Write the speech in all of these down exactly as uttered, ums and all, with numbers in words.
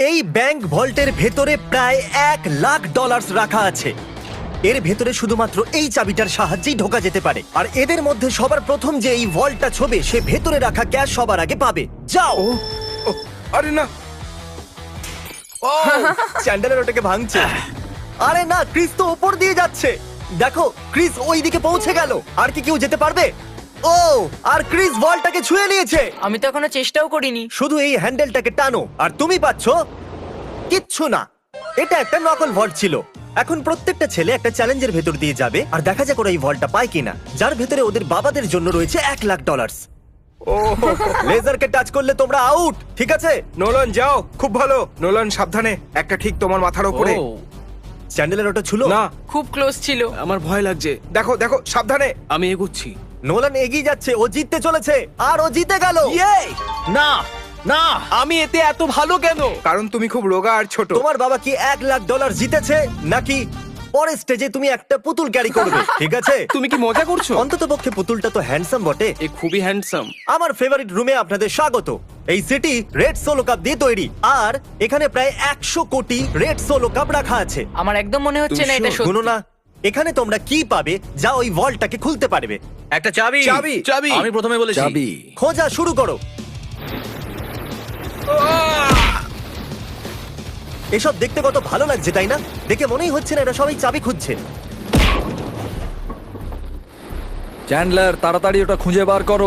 এই ব্যাংক ভল্টের ভেতরে প্রায় এক লাখ ডলার রাখা আছে। এর ভেতরে শুধুমাত্র এই চাবিটার সাহায্যেই ঢোকা যেতে পারে। আর এদের মধ্যে সবার প্রথম যে এই ভল্টটা ছোবে সে ভেতরে রাখা ক্যাশ সবার আগে পাবে। যাও। ও, আরে না। ও চ্যান্ডেলার ওটাকে ভাঙছে। আরে না, ক্রিস তো উপর দিয়ে যাচ্ছে। দেখো ক্রিস ওই দিকে পৌঁছে গেল। আর কি কেউ যেতে পারবে? ও, আর ক্রিস বলটাকে ছুঁয়ে নিয়েছে। আমি তো এখনো চেষ্টাও করিনি। শুধু এই হ্যান্ডেলটাকে টানো আর তুমি পাচ্ছো কিচ্ছু না। এটা একটা নকল ভল্ট ছিল। এখন প্রত্যেকটা ছেলে একটা চ্যালেঞ্জের ভেতর দিয়ে যাবে আর দেখা যাক ওরা এই ভল্টটা পায় কিনা, যার ভেতরে ওদের বাবাদের জন্য রয়েছে এক লাখ ডলার। ও লেজারকে টাচ করলে তোমরা আউট, ঠিক আছে? নোলান যাও, খুব ভালো। নোলান সাবধানে, একটা ঠিক তোমার মাথার উপরে। ও, চ্যান্ডেলের ওটা ছিল না, খুব ক্লোজ ছিল। আমার ভয় লাগছে। দেখো দেখো সাবধানে। আমি এগোচ্ছি। নোলান এগিয়ে যাচ্ছে, ও জিততে চলেছে আর ও জিতে গেল। ইয়ে! না না, আমি এতে এত ভালো কেন? কারণ তুমি খুব রোগা আর ছোট। তোমার বাবা কি এক লাখ ডলার জিতেছে নাকি পরের স্টেজে তুমি একটা পুতুল ক্যারি করবে? ঠিক আছে, তুমি কি মজা করছো? অন্তত পক্ষে পুতুলটা তো হ্যান্ডসাম বটে। এ খুবই হ্যান্ডসাম। আমার ফেভারিট রুমে আপনাদের স্বাগত। এই সিটি রেড সোলো কাপ দিয়ে তৈরি আর এখানে প্রায় একশো কোটি রেড সোলো কাপ রাখা আছে। আমার একদম মনে হচ্ছে না এটা তুমি সত্যি। শুনো না, এখানে তোমরা কি পাবে যা ওই ভল্টটাকে খুলতে পারবে? একটা চাবি। চাবি। চাবি। আমি প্রথমে বলেছি চাবি। খোঁজা শুরু করো। এসব দেখতে কত ভালো লাগছে তাই না? দেখে মনেই হচ্ছে না এরা সবাই চাবি খুঁজছে। চ্যান্ডলার, তাড়াতাড়ি ওটা খুঁজে বার করো।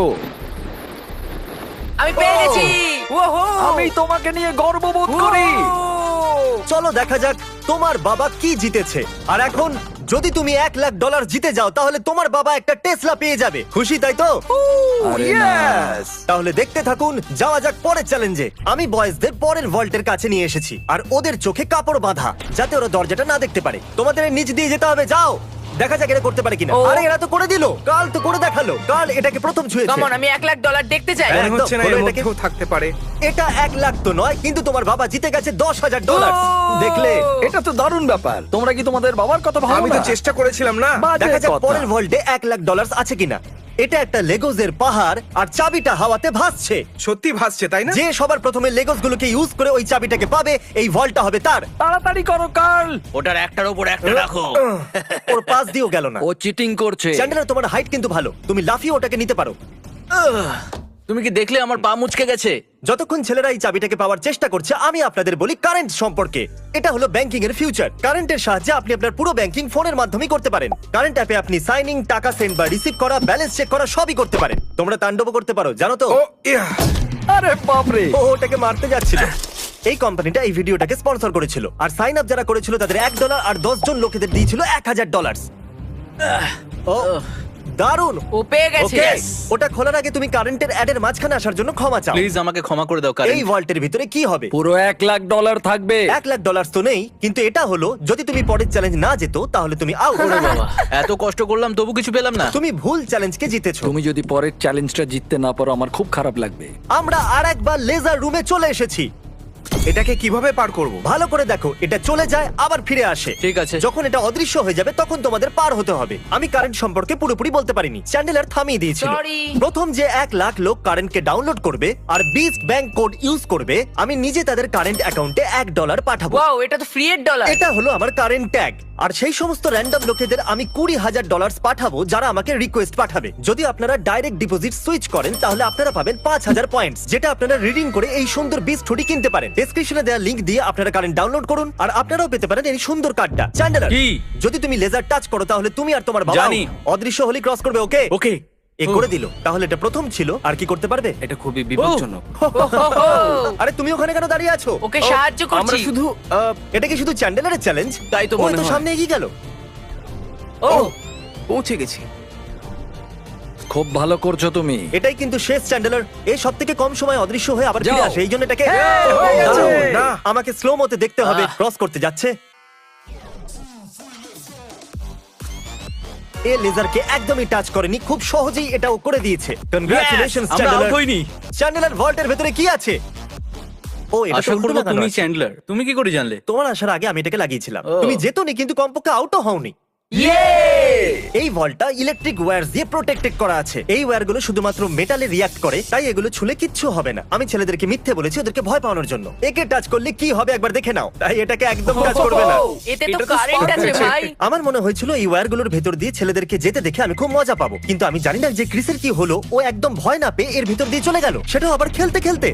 আমি পেয়ে গেছি। ওহো! আমি তোমাকে নিয়ে গর্ববোধ করি। চলো দেখা যাক তোমার বাবা কি জিতেছে। আর এখন যদি তুমি এক লাখ ডলার জিতে যাও তাহলে তোমার বাবা একটা টেসলা পেয়ে যাবে। খুশি তাই তো? আরে না। Yes! তাহলে দেখতে থাকুন, যাওয়া যাক পরের চ্যালেঞ্জে। আমি বয়েজদের পরের ভল্টের কাছে নিয়ে এসেছি আর ওদের চোখে কাপড় বাঁধা যাতে ওরা দরজাটা না দেখতে পারে। তোমাদের এর নিচ দিয়ে যেতে হবে, যাও। দেখা যাক এরা করতে পারে কিনা। ও। আরে এরা তো করে দিল, কাল তো করে দেখালো। কাল এটাকে প্রথম ছুঁয়েছে। কামন, আমি এক লাখ ডলার দেখতে চাই। হ্যাঁ। মনে হচ্ছে না খোলো এর এটাকে। মধ্যেও থাকতে পারে। এটা এক লাখ তো নয়, কিন্তু তোমার বাবা জিতে গেছে দশ হাজার ডলার। ও। দেখলে? এটা তো দারুণ ব্যাপার। তোমরা কি তোমাদের বাবার কথা ভাবো আমি তো না? চেষ্টা করেছিলাম না। বাজে দেখা যাক কথা। পরের ভল্টে এক লাখ ডলার আছে কিনা। এটা একটা লেগোজের পাহাড় আর চাবিটা হাওয়াতে ভাসছে। সত্যি ভাসছে তাই না? যে সবার প্রথমে লেগোস গুলোকে ইউজ করে ওই চাবিটাকে পাবে, এই ভল্টটা হবে তার। তাড়াতাড়ি করো কার্ল। ওটার একটার উপর একটা রাখো। ওর পাশ দিয়েও গেল না। ও চিটিং করছে। চ্যান্ডেলার, তোমার হাইট কিন্তু ভালো, তুমি লাফিয়ে ওটাকে নিতে পারো। তুমি কি দেখলে আমার পা মুচকে গেছে? যতক্ষণ ছেলেরা এই চাবিটাকে পাওয়ার চেষ্টা করছে, আমি আপনাদের বলি কারেন্ট সম্পর্কে। এটা হলো ব্যাংকিং এর ফিউচার। কারেন্টের সাহায্যে আপনি আপনার পুরো ব্যাংকিং ফোনের মাধ্যমে করতে পারেন। কারেন্ট অ্যাপে আপনি সাইনিং, টাকা সেন্ড বা রিসিভ করা, ব্যালেন্স চেক করা সবই করতে পারেন। তোমরা তাণ্ডব করতে পারো, জানো তো? ও ইয়া। আরে বাপরে। ও ওটাকে মারতে যাচ্ছিল। এই কোম্পানিটা এই ভিডিওটাকে স্পন্সর করেছিল আর সাইন আপ যারা করেছিল তাদের এক ডলার আর দশ জন লোকেদের দিয়েছিল এক হাজার ডলার। ও দারুণ। ও পেয়ে গেছে। ওকে, ওটা খোলার আগে তুমি কারেন্টের অ্যাডের মাঝখানে আসার জন্য ক্ষমা চাও। প্লিজ আমাকে ক্ষমা করে দাও এই কারণ ভল্টের ভিতরে কি হবে? পুরো এক লাখ ডলার থাকবে। এক লাখ ডলার তো নেই, কিন্তু এটা হলো যদি তুমি পরের চ্যালেঞ্জ না যেত তাহলে তুমি আউট। বাবা এত কষ্ট করলাম তবু কিছু পেলাম না। তুমি ভুল চ্যালেঞ্জকে জিতেছো। তুমি যদি পরের চ্যালেঞ্জটা জিততে না পারো আমার খুব খারাপ লাগবে। আমরা আর একবার লেজার রুমে চলে এসেছি। এটাকে কিভাবে পার করব? ভালো করে দেখো, এটা চলে যায় আবার ফিরে আসে। ঠিক আছে। যখন এটা অদৃশ্য হয়ে যাবে তখন তোমাদের পার হতে হবে। আমি কারেন্ট সম্পর্কে পুরোপুরি বলতে পারিনি, চ্যান্ডেলার থামিয়ে দিয়েছিল। Sorry. প্রথম যে এক লাখ লোক কারেন্টকে ডাউনলোড করবে আর বিস্ট ব্যাংক কোড ইউজ করবে, আমি নিজে তাদের কারেন্ট অ্যাকাউন্টে এক ডলার পাঠাবো। ওয়াও, এটা তো ফ্রি এর ডলার। এটা হলো আমার কারেন্ট ট্যাগ। আর সেই সমস্ত র্যান্ডম লোকেদের আমি কুড়ি হাজার ডলার পাঠাবো যারা আমাকে রিকোয়েস্ট পাঠাবে। যদি আপনারা ডাইরেক্ট ডিপোজিট সুইচ করেন তাহলে আপনারা পাবেন পাঁচ হাজার পয়েন্টস, যেটা আপনারা রিডিং করে এই সুন্দর বিস্ট হুডি কিনতে পারেন। ডেসক্রিপশনে দেওয়া লিংক দিয়ে আপনারা কারেন্ট ডাউনলোড করুন আর আপনারাও পেতে পারেন এই সুন্দর কার্ডটা। চ্যান্ডেলার, কি? যদি তুমি লেজার টাচ করো তাহলে তুমি আর তোমার বাবা জানি। অদৃশ্য হলি ক্রস করবে। ওকে ওকে। এ করে দিল। তাহলে এটা প্রথম ছিল, আর কি করতে পারবে? এটা খুবই বিপজ্জনক। আরে তুমি ওখানে কেন দাঁড়িয়ে আছো? ওকে সাহায্য আমরা করছি। শুধু আহ, এটা কি শুধু চ্যান্ডেলারের চ্যালেঞ্জ? তাই তো ও মনে তো হয়। সামনে এগিয়ে গেল। ও পৌঁছে গেছি। খুব ভালো করছো তুমি। এটাই কিন্তু শেষ চ্যান্ডেলার। এই সব থেকে কম সময় অদৃশ্য হয়ে আবার ফিরে যাও। আসে, এই জন্য এটাকে হয়ে গেছে। দারুণ। না। আমাকে স্লো মতে দেখতে হবে। ক্রস করতে যাচ্ছে। এ লেজারকে একদমই টাচ করেনি, খুব সহজেই এটাও করে দিয়েছে। কনগ্রাচুলেশনস আমরা চ্যান্ডেলার। আউট হইনি। চ্যান্ডেলার ভল্টের ভেতরে কি আছে? ও এটা তো আশা উল্টো করবো লাগানো তুমি আছে। চ্যান্ডলার। তুমি কি করে জানলে? তোমার আসার আগে আমি এটাকে লাগিয়েছিলাম। ও। তুমি যেতনি কিন্তু কমপক্ষে আউটও হওনি। এই ভলটা ইলেকট্রিক ওয়্যার দিয়ে প্রোটেক্টেড করা আছে। এই ওয়্যারগুলো শুধুমাত্র মেটালে রিয়াক্ট করে, তাই এগুলো ছুলে কিচ্ছু হবে না। আমি ছেলেদেরকে মিথ্যে বলেছি ওদেরকে ভয় পাওয়ানোর জন্য। একে টাচ করলে কি হবে একবার দেখে নাও, তাই এটাকে একদম টাচ করবে না। এতে তো এটা তো কারেন্ট spark আছে আছে। ভাই। আমার মনে হয়েছিল এই ওয়্যারগুলোর ভেতর দিয়ে ছেলেদেরকে যেতে দেখে আমি খুব মজা পাবো, কিন্তু আমি জানি না যে ক্রিসের কি হলো। ও একদম ভয় না পেয়ে এর ভিতর দিয়ে চলে গেল, সেটাও আবার খেলতে খেলতে।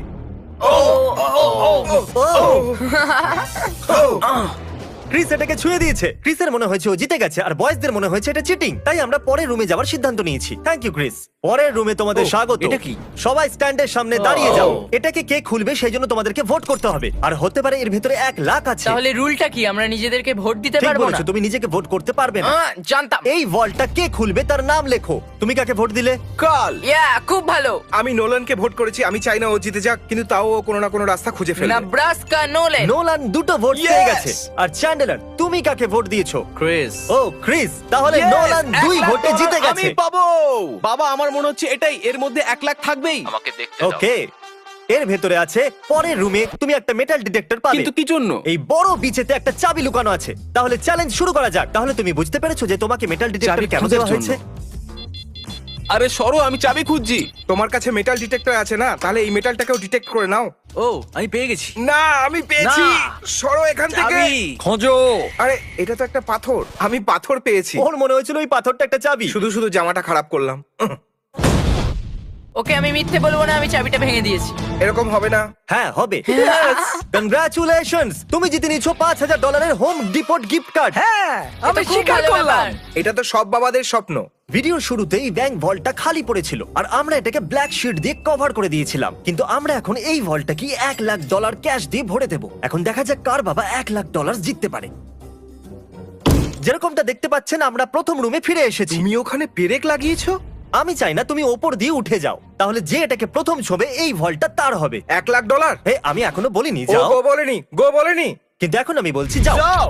ক্রিস এটাকে ছুঁয়ে দিয়েছে। ক্রিসের মনে হয়েছে ও জিতে গেছে, আর বয়েজদের মনে হয়েছে এটা চিটিং। তাই আমরা পরের রুমে যাওয়ার সিদ্ধান্ত নিয়েছি। Thank you Chris. পরের রুমে তোমাদের ও, স্বাগত। এটা কি? সবাই স্ট্যান্ডের সামনে দাঁড়িয়ে ও। যাও। এটাকে কে খুলবে সেই জন্য তোমাদেরকে ভোট করতে হবে, আর হতে পারে এর ভিতরে এক লাখ আছে। তাহলে রুলটা কি, আমরা নিজেদেরকে ভোট দিতে ঠিক পারবো না? বলেছো, তুমি নিজেকে ভোট করতে পারবে না। আহ, জানতাম। এই ভল্টটা কে খুলবে তার নাম লেখো। তুমি কাকে ভোট দিলে? কাল ইয়া, খুব ভালো। আমি নোলানকে ভোট করেছি। আমি চাই না ও জিতে যাক, কিন্তু তাও ও কোনো না কোনো রাস্তা খুঁজে ফেলবে। Nebraska Nolan. নোলান দুটো ভোট পেয়ে Yes! গেছে। আর চ্যান্ডেলার, তুমি কাকে ভোট দিয়েছো? ক্রিস। ও ক্রিস, তাহলে Yes! নোলান এক দুই লাখ ভোটে ডলার জিতে আমি গেছে। পাবো। বাবা, আমার মনে হচ্ছে এটাই, এর মধ্যে এক লাখ থাকবেই। আমাকে দেখতে ওকে, এর ভেতরে আছে পরের রুমে তুমি একটা মেটাল ডিটেক্টর পাবে। কিন্তু কি জন্য? এই বড় বিচেতে একটা চাবি লুকানো আছে। তাহলে চ্যালেঞ্জ শুরু করা যাক। তাহলে তুমি বুঝতে পেরেছো যে তোমাকে মেটাল ডিটেক্টর চাবি কেন খোঁজার দেওয়া হয়েছে? জন্য। আরে সরো, আমি চাবি খুঁজছি। তোমার কাছে মেটাল ডিটেক্টর আছে না? তাহলে এই মেটালটাকেও ডিটেক্ট করে নাও। ও, আমি পেয়ে গেছি। না, আমি পেয়েছি। না। সরো এখান থেকে। চাবি। খোঁজো। আরে এটা তো একটা পাথর। আমি পাথর পেয়েছি। ওর মনে হয়েছিল ওই পাথরটা একটা চাবি। শুধু শুধু জামাটা খারাপ করলাম। উহ, ওকে, আমি মিথ্যে বলবো না, আমি চাবিটা ভেঙে দিয়েছি। এরকম হবে না। হ্যাঁ হবে। কনগ্রাচুলেশনস, তুমি জিতে নিয়েছো পাঁচ হাজার ডলারের হোম ডিপোর্ট গিফট কার্ড। হ্যাঁ, আমি এটা খুব স্বীকার ভালো করলাম। ব্যাপার। এটা তো সব বাবাদের স্বপ্ন। ভিডিওর শুরুতেই ব্যাংক ভল্টটা খালি পড়েছিল, আর আমরা এটাকে ব্ল্যাক শিট দিয়ে কভার করে দিয়েছিলাম। কিন্তু আমরা এখন এই ভল্টটা কি এক লাখ ডলার ক্যাশ দিয়ে ভরে দেবো। এখন দেখা যাক কার বাবা এক লাখ ডলার জিততে পারে। যেরকমটা দেখতে পাচ্ছেন, আমরা প্রথম রুমে ফিরে এসেছি। তুমি ওখানে পেরেক লাগিয়েছো? আমি চাই না তুমি ওপর দিয়ে উঠে যাও, তাহলে যে এটাকে প্রথম ছবে এই ভল্টটা তার হবে। এক লাখ ডলার? হে, আমি এখনো বলিনি ও যাও, গো বলেনি, গো বলেনি। কিন্তু এখন আমি বলছি যাও। যাও।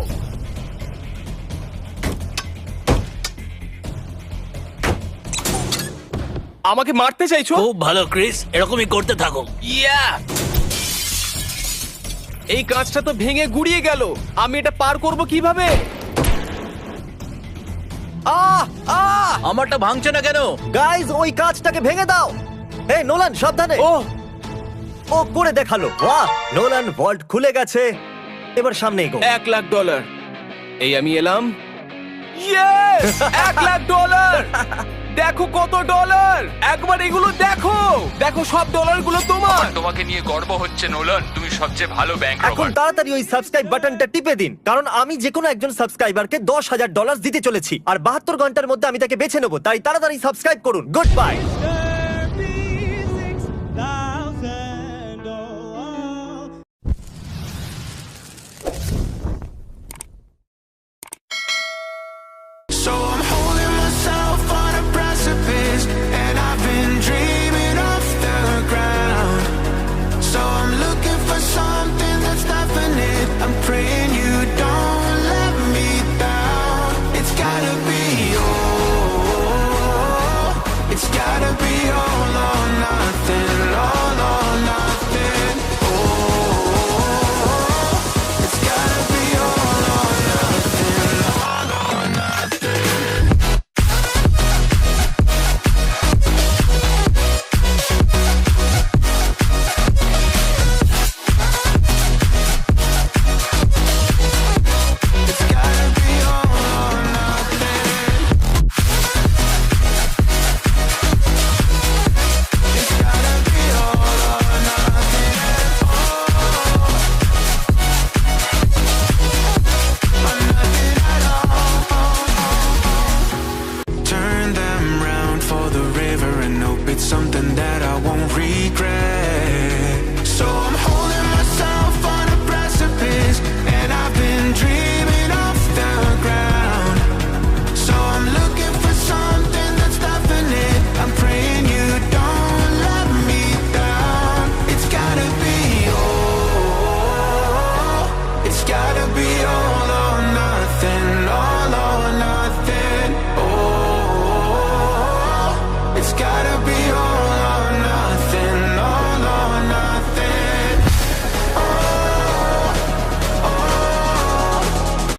আমাকে মারতে চাইছো? খুব ভালো ক্রিস, এরকমই করতে থাকো। ইয়া! এই কাঁচটা তো ভেঙে গুড়িয়ে গেল। আমি এটা পার করব কিভাবে? আহ! আহ! আমারটা ভাঙছে না কেন? গাইজ, ওই কাঁচটাকে ভেঙে দাও। হে নোলান, সাবধানে। ও, ও করে দেখালো। বাহ, নোলান ভল্ট খুলে গেছে। এবার সামনে এগো। এক লাখ ডলার। এই আমি এলাম। ইয়েস! এক লাখ ডলার! দেখো কত ডলার! একবার এগুলো দেখো। দেখো সব ডলারগুলো তোমার। তোমাকে নিয়ে গর্ব হচ্ছে নোলান, তুমি সবচেয়ে ভালো ব্যাংক এখন রবার। তাড়াতাড়ি ওই সাবস্ক্রাইব বাটনটা টিপে দিন, কারণ আমি যে কোনো একজন সাবস্ক্রাইবারকে দশ হাজার ডলার দিতে চলেছি, আর বাহাত্তর ঘন্টার মধ্যে আমি তাকে বেছে নেবো। তাই তাড়াতাড়ি সাবস্ক্রাইব করুন। Good by.